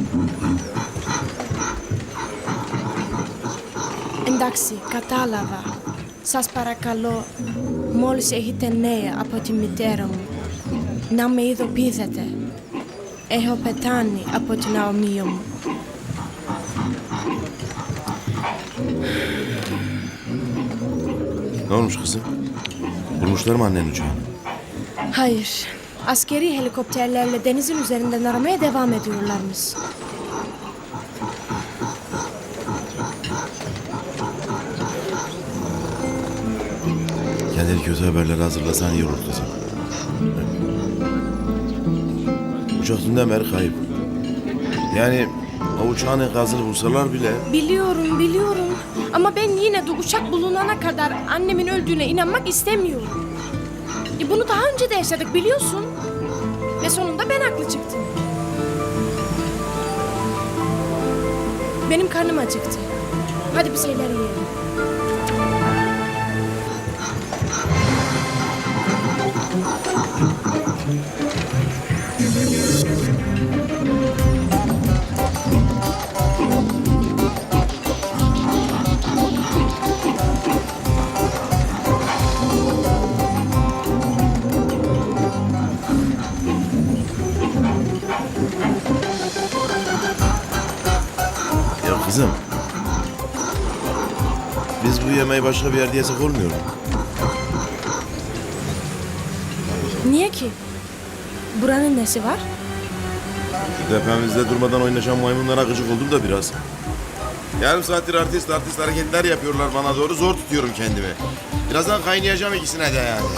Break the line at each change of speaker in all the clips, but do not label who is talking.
Εντάξει, κατάλαβα. Σας παρακαλώ, μόλις έχετε νέα από τη μητέρα μου, να με ειδοποιήσετε. Έχω πεθάνει από την αομία μου.
Ne olmuş kızım? Bulmuşlar mı annenin uçağını?
Hayır, askeri helikopterlerle denizin üzerinden aramaya devam ediyorlarmış.
Kendini kötü haberleri hazırlasan iyi olur kızım. Uçak dünden beri kayıp. Yani o uçağın enkazını bulsalar bile...
Biliyorum. Ama ben yine de uçak bulunana kadar annemin öldüğüne inanmak istemiyorum. Bunu daha önce de yaşadık biliyorsun. Ve sonunda ben haklı çıktım. Benim karnım acıktı. Hadi bir şeyler yiyelim.
Ya kızım... Biz bu yemeği başka bir yerde yesek olmuyor mu?
Niye ki? Buranın nesi var?
Tepemizde durmadan oynaşan maymunlara gıcık oldum da biraz. Yarım saattir artist hareketler yapıyorlar bana doğru. Zor tutuyorum kendimi. Birazdan kaynayacağım ikisine de yani.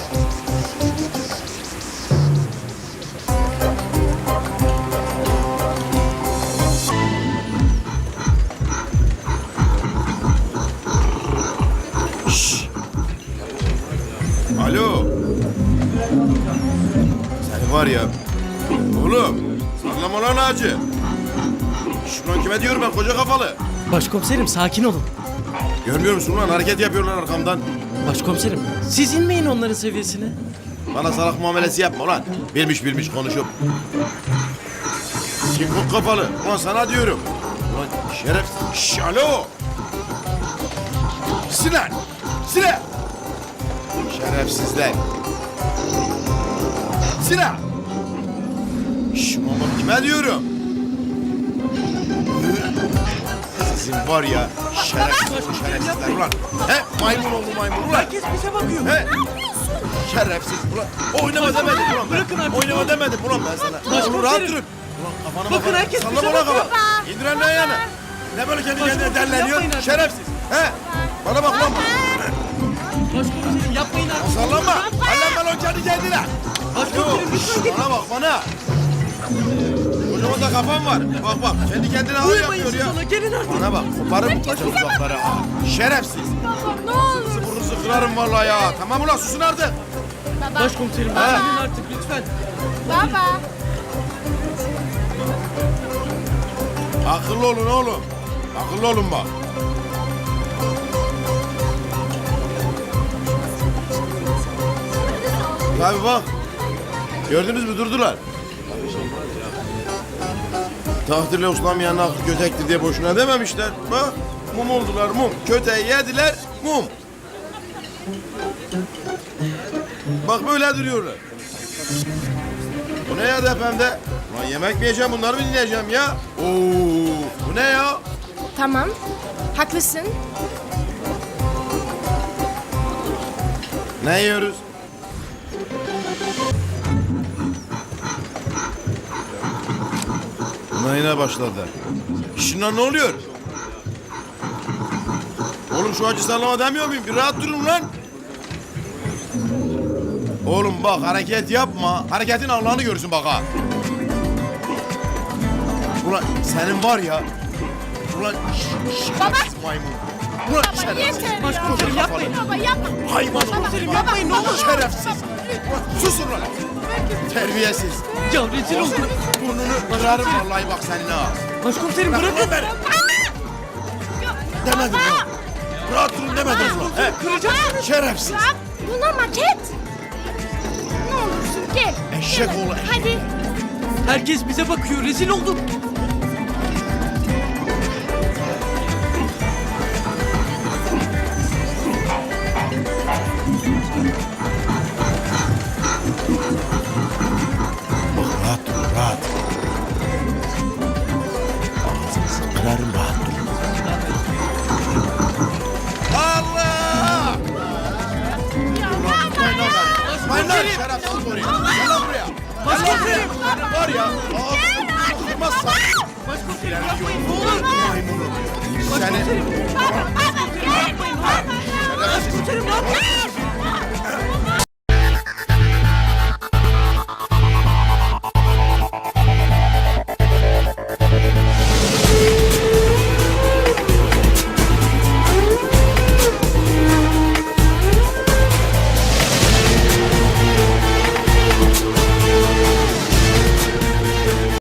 Şşş. Alo. Sen var ya. Oğlum. Sallama lan ağacı. Şuran kime diyorum ben koca kafalı.
Başkomiserim sakin olun.
Görmüyor musun lan hareket yapıyorlar arkamdan.
Başkomiserim siz inmeyin onların seviyesine.
Bana salak muamelesi yapma ulan. Bilmiş konuşup. Kinkok kafalı. Ulan sana diyorum. Ulan şeref. Şşş alo. Sinan. Sinan. Şerefsizler. Sinan. Şşş ulan kime diyorum. Sizin var ya şerefsizler ulan. He maymun oldu maymun ulan.
Herkes bize bakıyor.
He. Şerefsiz ulan. Oynama demedim ulan ben.
Bırakın artık.
Oynama demedim ulan ben sana.
Başkomiserim.
Oğlum rahat durun. Ulan kafanı
Bakın herkes
sallama
bize
ulan
bakıyor.
kafanı. İndir elini ayağını. Ne böyle kendi kendine
Başkomiserim,
derleniyor?
yapmayın artık.
Şerefsiz. He. Bana bak lan.
Başkomiserim yapmayın artık.
Sallanma. Hallenme lan kendi kendine.
Başkomiserim lütfen gidin.
Bana bak bana. Kocaman da kafam var. Bak kendi kendine ağır
Uyumayın
yapıyor
siz
ya.
ona gelin artık.
Bana bak koparım bu kaçak uzakları ha. Şerefsiz.
Baba ne olur.
Sizi burnunuzu kırarım vallahi ya. Tamam ulan susun artık.
Başkomiserim
Ha.
gelin artık lütfen.
Baba.
Akıllı olun oğlum. Akıllı olun bak. Tabii bak. Gördünüz mü durdular. Tahtirle uslanmayan aklı kötektir diye boşuna dememişler. Bak mum oldular mum. Köteği yediler mum. Bak böyle duruyorlar. Bu ne ya tepemde? Ulan yemek mi yiyeceğim bunları mı dinleyeceğim ya? Oo, bu ne ya?
Tamam. Haklısın.
Ne yiyoruz? Buna yine başladı. Şunlar ne oluyor? Oğlum şu acı sallama demiyor muyum? Bir rahat durun lan. Oğlum bak hareket yapma. Hareketin Allah'ını görsün bak ha. Ulan senin var ya. Ulan şerefsiz maymun. Ulan şerefsiz.
Yeter ya.
Başkomiserim yapmayın.
Baba yapma.
Hayvan
Başkomiserim yapmayın ne olur.
şerefsiz. Ulan susun lan. Terbiyesiz.
Ya rezil oldum.
Burnunu kırarım vallahi bak seninle ha.
Başkomiserim
Bırakın
bırakın.
beni. Demedim lan. Rahat durun demedim lan. He?
Kıracaksınız.
Şerefsiz.
Bak buna maket. Ne olursun gel.
Eşek
Gel.
oğlu eşek.
Hadi.
Herkes bize bakıyor rezil oldum. Başkomiserim yapmayın ne olur.
Seni...
Başkomiserim. Başkomiserim ne yapmayın.